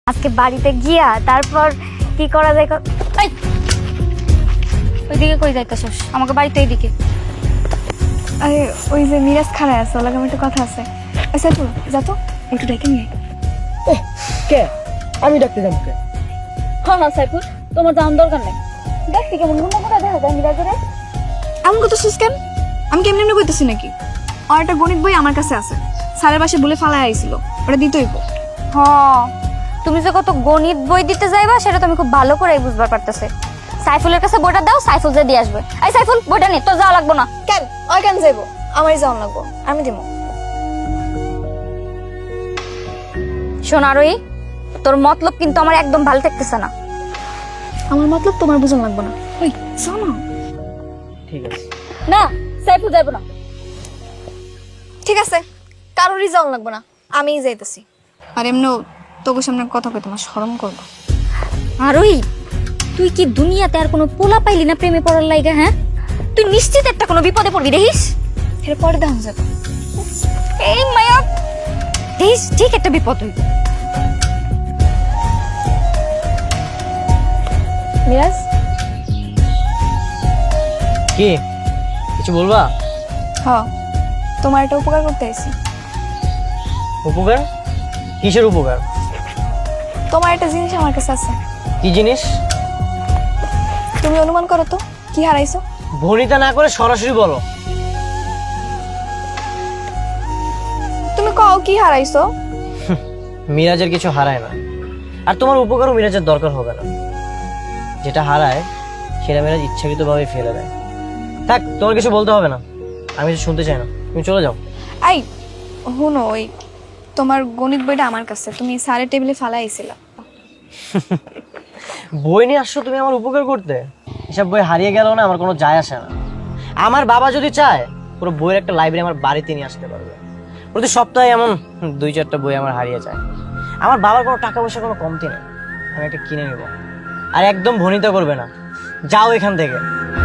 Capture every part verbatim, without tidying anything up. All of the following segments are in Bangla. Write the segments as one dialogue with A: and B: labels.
A: আজকে বাড়িতে গিয়া তারপর কি করা যায়। এই ওইদিকে কই যাইতেছস? আমাকে বাড়িতে এইদিকে।
B: আরে ওই যে মিরাজ খাড়ায় আছে, ওর লাগে আমার একটু কথা আছে। আচ্ছা তো যা তো একটু ডেকে নিয়ে আয়।
C: কে? আমি ডাকতে যাবো কে?
A: হ্যাঁ হ্যাঁ সাইফুল, তোমার যাওয়ার দরকার নেই। দেখছি কেমন গুন্ডা গুন্ডা দেখা যায় মিরাজের।
B: এমন কথা শুস কেন? আমি কেমনি এমনি কইতেছি নাকি? আর একটা গণিত বই আমার কাছে আছে, স্যারের পাশে বলে ফালাই আইছিল, ওটা দিতেই হইব।
A: হ্যাঁ, তুমি যে কত গণিত বই দিতে যাইবা সেটা তো আমি খুব ভালো করেই বুঝবার পারতেছি। সাইফুলের কাছে বইটা দাও, সাইফুল যে দিয়ে আসবে। এই সাইফুল, বইটা নে, তোর যাওয়া লাগবো না।
B: কেন ওই কেন যাইব? আমারই যাওয়ান লাগবো, আমি দিব।
A: শোন আরোই, তোর মতলব কিন্তু আমার একদম ভালো থাকতেছে না।
B: আমার মতলব তোমার বুঝন লাগবো না। ওই যাও না।
C: ঠিক আছে।
A: না, সাইফুল যাইব না।
B: ঠিক আছে, কারোরই যাওয়ান লাগবো না, আমিই যাইতেছি। আর এমনিও তোকে সামনে কথা কই তোমার শরম করবো।
A: আরোই, তুই কি দুনিয়াতে আর কোনো পোলা পাইলি না প্রেমে পড়ার লাইগা? হ্যাঁ, তুই নিশ্চিত একটা কোনো বিপদে পড়বি দেখিস।
B: এর পরে দেখা যাবে।
A: এই মায়া, দেখিস ঠিক একটা বিপদ হইব।
B: মিরাজ,
C: কি কিছু বলবা?
B: হ তোমার একটা উপকার করতে আইছি।
C: উপকার? কিসের উপকার?
B: তোমার একটা জিনিস আমার কাছে আছে।
C: কি জিনিস?
B: তুমি অনুমান করো তো কি হারাইছো?
C: ভনিতা না করে সরাসরি বলো।
B: তুমি কও কি হারাইছো?
C: মিরাজের কিছু হারায় না, আর তোমার উপকারও মিরাজের দরকার হবে না। যেটা হারায় সেটা মিরাজ ইচ্ছাকৃতভাবে ফেলে দেয়। থাক, তোমার কিছু বলতে হবে না, আমি কিছু শুনতে চাই না, তুমি চলে যাও।
B: আই হুনো, ওই তোমার গণিত বইটা আমার কাছে, তুমি স্যারের টেবিলে ফালাই আইছিলা।
C: বই নিয়ে আসছো তুমি আমার উপকার করতে? এসব বই হারিয়ে গেল না, আমার কোনো যায় আসে না। আমার বাবা যদি চায় পুরো বইয়ের একটা লাইব্রেরি আমার বাড়িতে নিয়ে আসতে পারবে। প্রতি সপ্তাহে এমন দুই চারটা বই আমার হারিয়ে যায়। আমার বাবার কোনো টাকা পয়সা কোনো কমতি নেই, আমি একটা কিনে নেব। আর একদম ভনিতা করবে না, যাও এখান থেকে।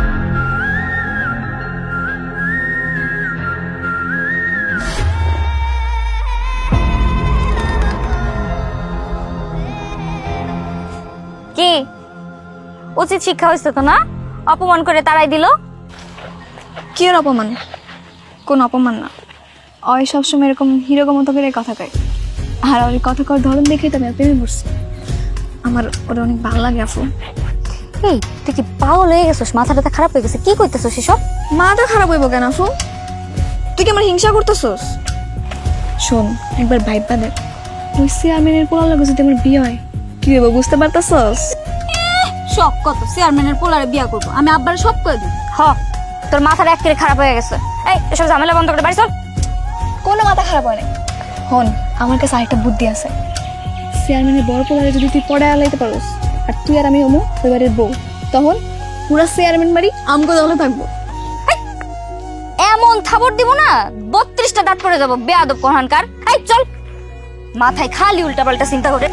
A: কি উচিত শিক্ষা হয়েছে তো না? অপমান করে তাড়াই দিল।
B: কি এর অপমান? কোন অপমান না, ওই সবসময় এরকম হিরোগো মতো করে কথা কয়। আর ওই কথা কর ধরন দেখে তো আমি ওর প্রেমে পড়ছি। আমার ওটা অনেক ভালো লাগে আপু।
A: এই তুই কি পাগল হয়ে গেছিস? মাথাটা খারাপ হয়ে গেছে? কি কইতেছিস এসব?
B: মাথা খারাপ হইব কেন আপু? তুই কি আমার হিংসা করতেছস? শোন একবার ভাইবা দেখ, ওই চেয়ারম্যানের পোলার লাগে যদি আমার বিয়ে হয় কি হইব বুঝতে পারতাছস?
A: শখ কত চেয়ারম্যানের পোলারে বিয়া করবো? আমি আব্বার সব কই দিই। হ, তোর মাথাটা একেবারে খারাপ হয়ে গেছে। এই এসব ঝামেলা বন্ধ করে বাড়ি চল।
B: কোনো মাথা খারাপ হয় না। হন, আমার কাছে আরেকটা বুদ্ধি আছে। চেয়ারম্যানের বড় পোলারে যদি তুই পড়ে আলাইতে পারোস, আর তুই আর আমি হমু ওই বাড়ির বউ, তখন পুরা চেয়ারম্যান বাড়ি আমগো দলে থাকবো।
A: এমন থাবর দিব না, বত্রিশটা দাঁত পড়ে যাবো বেয়াদব কোহানকার। এই চল, মাথায় খালি উল্টা পাল্টা চিন্তা করে।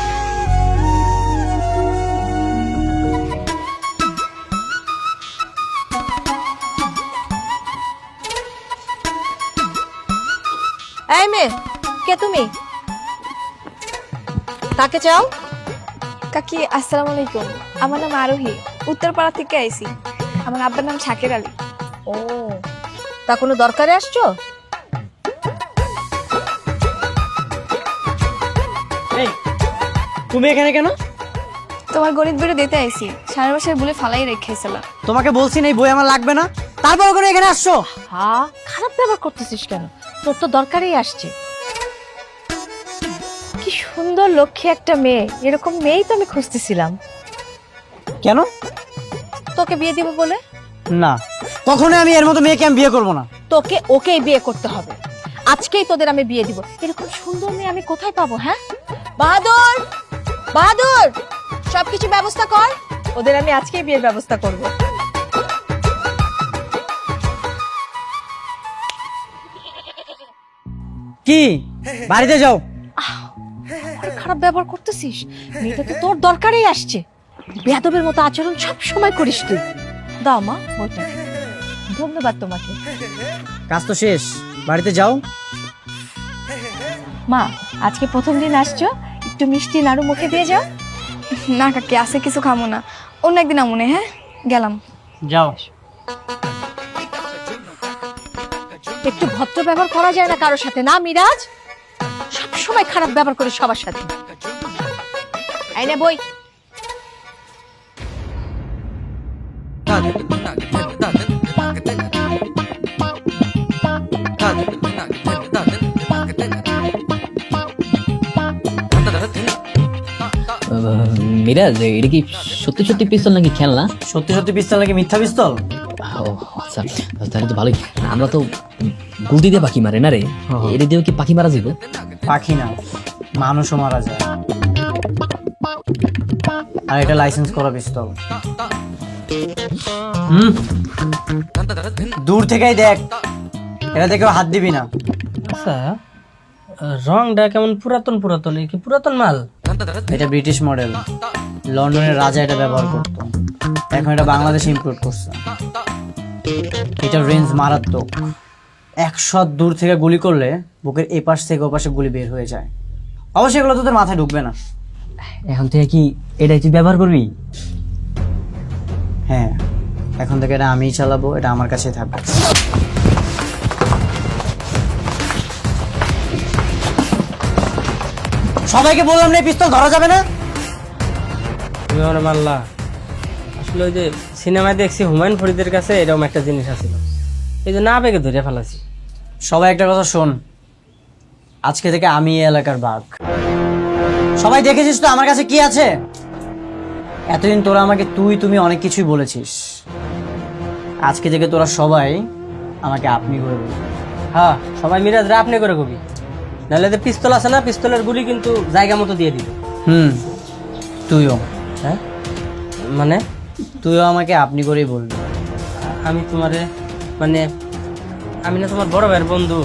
D: এই মেয়ে, কে তুমি? কাকে চাও?
B: কাকি আসসালামু আলাইকুম, আমার নাম আরোহী, উত্তরপাড়া থেকে আইছি। আমার আব্বার নাম শাকের আলী।
D: ও, তা কোনো দরকারে আসছো?
C: এই তুমি এখানে কেন?
B: তোমার গণিত বইটা দিতে আইছি, সারা বাসায় বলে ফালাই রেখেছিলাম।
C: তোমাকে বলছি না এই বই আমার লাগবে না, তারপর করে এখানে আসছো।
D: হ্যাঁ, খারাপ ব্যবহার করতেছিস কেন? তোর তো দরকারেই আসছে। কি সুন্দর লক্ষ্মী একটা মেয়ে, এরকম মেয়েই তো আমি খুঁজতেছিলাম।
C: কেন?
D: তোকে বিয়ে দিব বলে?
C: না, কখনোই আমি এর মতো মেয়েকে আমি বিয়ে করবো না।
D: তোকে ওকেই বিয়ে করতে হবে। আজকেই তোদের আমি বিয়ে দিব। এরকম সুন্দর মেয়ে আমি কোথায় পাবো? হ্যাঁ বাহাদুর, বাহাদুর, সবকিছু ব্যবস্থা কর, ওদের আমি আজকেই বিয়ের ব্যবস্থা করব।
C: কি বাড়িতে যাও।
D: খারাপ ব্যবহার করতেছিস? মেয়েটা তো তোর দরকারেই আসছে। বেয়াদবের মতো আচরণ সব সময় করিস তুই। দাও মা বইটা। ধন্যবাদ তোমাকে।
C: কাজ তো শেষ, বাড়িতে যাও।
D: মা আজকে প্রথম দিন আসছো,
B: একটু মিষ্টি নাড়ু মুখে দিয়ে যাও। না কাকি, আছে কিছু খামো না, অন্য একদিন আমনে। হ্যাঁ, গেলাম।
C: যাও।
D: একটু ভদ্র ব্যবহার করা যায় না কারোর সাথে? না মিরাজ, সব সময় খারাপ ব্যবহার করে সবার সাথে। এই নে বই।
E: মিরাজ, এটা কি সত্যি সত্যি পিস্তল নাকি খেলনা?
C: সত্যি সত্যি পিস্তল নাকি মিথ্যা পিস্তল?
E: ও আচ্ছা, তাহলে তো ভালোই। আমরা তো গুলতি দিয়ে পাখি মারে না রে, এটা দিয়েও কি পাখি মারা যাবে?
C: পাখি না, মানুষও মারা যায়। আর এটা লাইসেন্স করা পিস্তল। হুম, দূর থেকেই দেখ, এটা দেখেও হাত দিবি না।
F: আচ্ছা, রংটা কেমন পুরাতন পুরাতন, এই কি পুরাতন মাল?
C: এটা ব্রিটিশ মডেল, লন্ডনের রাজা এটা ব্যবহার করতো, এখন এটা বাংলাদেশে ইম্পোর্ট করছে। এটা রেঞ্জ মারাত্মক, একশো দূর থেকে গুলি করলে বুকের এপাশ থেকে ওপাশে গুলি বের হয়ে যায়। অবশ্যই এগুলো তোদের মাথায় ঢুকবে না।
F: এখন থেকে কি এটাই তুই ব্যবহার করবি?
C: হ্যাঁ, এখন থেকে এটা আমিই চালাবো, এটা আমার কাছেই থাকবে। সবাইকে বললাম না এই পিস্তল ধরা যাবে না।
F: তুমি আমার মাল্লা। আসলে ওই যে সিনেমায় দেখছি হুমায়ুন ফরিদের কাছে এরকম একটা জিনিস আছিল, এই যে না পেকে ধরে ফেলাছি।
C: সবাই একটা কথা শোন, আজকে থেকে আমি এই এলাকার বাঘ। সবাই দেখেছিস তো আমার কাছে কি আছে। এতদিন তোরা আমাকে তুই তুমি অনেক কিছুই বলেছিস, আজকে থেকে তোরা সবাই আমাকে আপনি করে বলবি।
F: হ্যাঁ, সবাই মিরাজ রা আপনি করে কবি, নাহলে যে পিস্তল আছে না, পিস্তলের গুলি কিন্তু জায়গা মতো দিয়ে দিবে।
C: হুম, তুইও।
F: হ্যাঁ মানে
C: তুইও আমাকে আপনি করেই বলবি।
F: আমি তোমারে মানে আমি না তোমার বড় ভাইয়ের বন্ধু।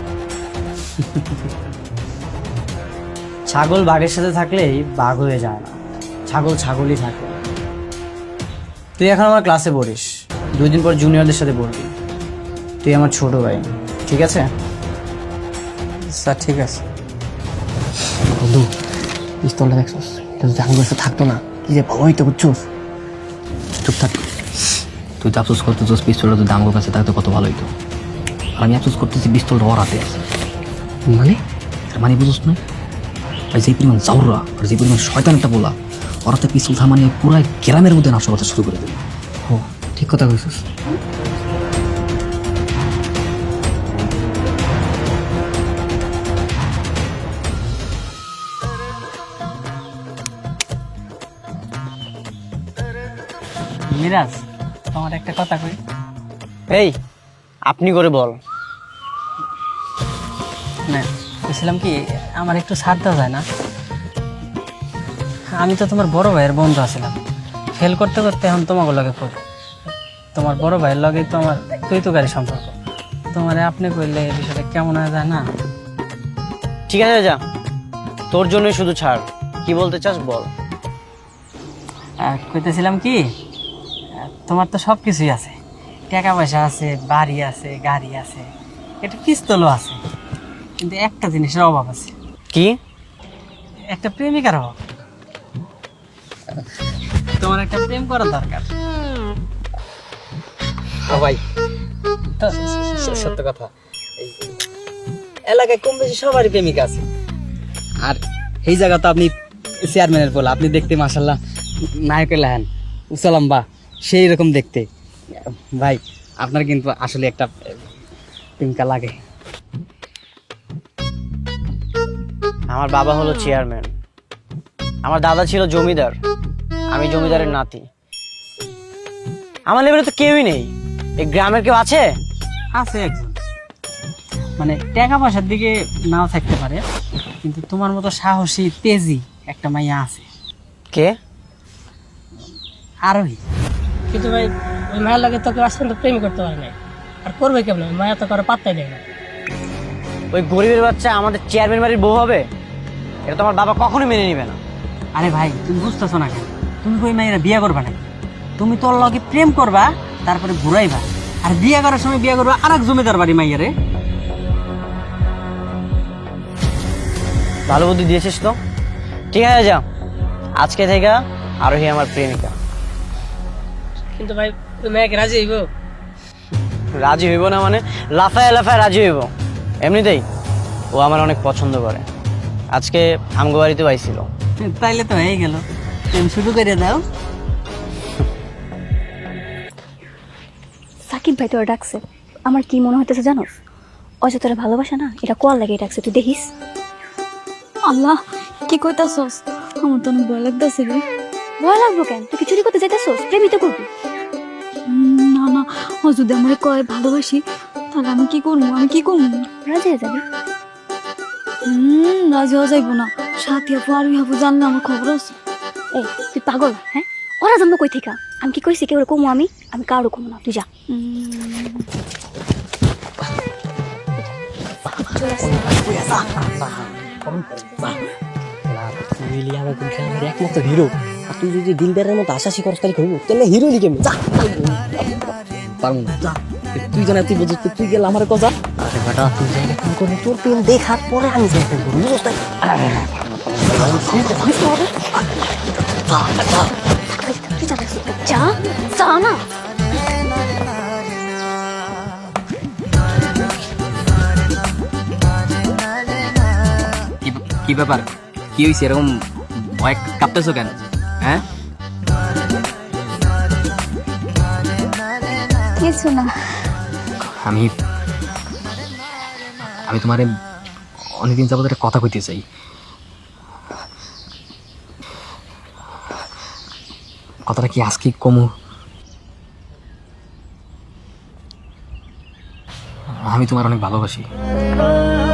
C: ছাগল বাঘের সাথে থাকলেই বাঘ হয়ে যায় না, ছাগল ছাগলই থাকে। তুই এখন আমার ক্লাসে পড়িস, দুই দিন পর জুনিয়রদের সাথে পড়বি। তুই আমার ছোট ভাই, ঠিক আছে?
F: আচ্ছা ঠিক আছে।
E: বন্ধু, পিস্তলটা দেখছস? এটা যদি আমার কাছে থাকতো না, কি যে ভালো হইতো, বুঝছস? চুপ থাক। তুই তো আফসোস করতেছস পিস্তলটা যদি আমার কাছে থাকতো কত ভালো হইতো, আর আমি আফসোস করতেছি পিস্তলটা ওর হাতে আছে। মানে তার মানে বুঝছ না, আর যে পরিমাণ জাউরা আর যে পরিমাণ শয়তান একটা বলা, ওর হাতে পিস্তল থামানি পুরো গ্রামের মধ্যে নাশা করতে শুরু করে দেবে।
F: ও ঠিক কথা কইছিস। মিরাজ, তোমার একটা কথা কই।
C: এই আপনি করে বল।
F: না, বলছিলাম কি, আমার একটু ছাড় দেওয়া যায় না? আমি তো তোমার বড় ভাইয়ের বন্ধু আছিলাম, ফেল করতে করতে এখন তোমাকে লগে পড়ি। তোমার বড় ভাইয়ের লগে তো আমার তুই তো গাড়ি সম্পর্ক, তোমার আপনি কইলে এই বিষয়টা কেমন হয়ে যায় না?
C: ঠিক আছে, যা, তোর জন্যই শুধু ছাড়। কি বলতে চাস বল।
F: আর কইতেছিলাম কি, তোমার তো সব কিছুই আছে, টাকা পয়সা আছে, বাড়ি আছে, গাড়ি আছে, একটা পিস্তলও আছে, কিন্তু একটা জিনিসের অভাব আছে।
C: কি?
F: একটা প্রেমিকার অভাব। তোমার একটা প্রেম করার দরকার।
C: ভাই
F: তো সত্য কথা, এলাকায় কম বেশি সবারই প্রেমিকা আছে, আর এই জায়গা তো আপনি চেয়ারম্যানের বলা, আপনি দেখতে মাশাল্লাহ নায়কের লাহান উসালাম বা সেই রকম দেখতে। ভাই আপনার কিন্তু আসলে একটা প্রেমিকা লাগে।
C: আমার বাবা হলো চেয়ারম্যান, আমার দাদা ছিল জমিদার, আমি জমিদারের নাতি। আমার লেভেলে তো কেউই নেই। এই গ্রামের কেউ আছে?
F: আছে একজন, মানে টাকা পয়সার দিকে নাও থাকতে পারে, কিন্তু তোমার মতো সাহসী তেজি একটা মাইয়া আছে।
C: কে?
F: আরোহী।
G: কিন্তু ভাই ওই মায়ের লাগে তোকে আজ পর্যন্ত প্রেম করতে পারে নাই, আর করবে কেমন? মায়া তো কারো পাত্তাই দেয় না।
C: ওই গরিবের বাচ্চা আমাদের চেয়ারম্যান বাড়ির বউ হবে? এটা তো আমার বাবা কখনো মেনে নিবে না।
F: আরে ভাই তুমি বুঝতেছো না কেন? তুমি ওই মাইয়েরা বিয়ে করবা না, তুমি তোর লগে প্রেম করবা, তারপরে ঘুরাইবা, আর বিয়ে করার সময় বিয়ে করবা আর এক জমিদার বাড়ি মাইয়ারে।
C: ভালো বুদ্ধি দিয়েছিস তো। ঠিক আছে যা, আজকে থেকে আরোহী আমার প্রেমিকা।
G: কিন্তু ভাই ওই মেয়েকে রাজি হইব?
C: রাজি হইব না মানে? লাফায় লাফায় রাজি হইব। এমনিতেই ও আমার অনেক পছন্দ করে। আজকে আমগো বাড়িতেও আইছিল।
F: তাইলে তো হয়ে গেল, প্রেম শুরু করে দাও।
B: সাকিব ভাই তোরা ডাকছে, আমার কি মনে হইতেছে জানোস? অযথা তোরা ভালোবাসা না, এটা কোয়ার লাগে ডাকছে, তুই দেখিস। আল্লাহ, কি কইতাছস? আমার তো অনেক ভয় লাগতেছে রে। ভয় লাগবো কেন? তুই কি চুরি করতে যাইতেছস? প্রেমিত করবি? না না, ও যদি আমার কয় ভালোবাসি, তাহলে আমি কি করবো? আমি কি করবো? রাজি হয়ে যাবি? হুম, রাজি হওয়া যাইবো না। সাথী আপু আর আপু জানলে আমার খবর আছে। এই তুই পাগল? হ্যাঁ, ওরা জানবো কই থেকে? আমি কি কইছি কেউ কমো? আমি আমি কারো কমো না, তুই যা।
E: তুই আমার আমার একমাত্র হিরো, আর তুই যদি দিলদারের মতো আশাসি করস তাহলে হইব, তাহলে হিরো লিখে যা। পারবো না, যা। তুই জানা তুই বুঝছিস, তুই গেলে আমার কথা। আরে বেটা, তুই যাইলে ফোন করবি, তোর প্রেম দেখার পরে আমি যাই ফোন করবো, বুঝছ তাই?
B: যা যা না।
F: কি- কি ব্যাপার, কি হয়েছে? এরকম ভয় কাঁপতেছো কেন? হ্যাঁ,
B: কিছু না।
E: আমি আমি তোমারে অনেকদিন যাবত একটা কথা কইতে চাই। কথাটা কি আজকে কমু? আমি তোমার অনেক ভালোবাসি।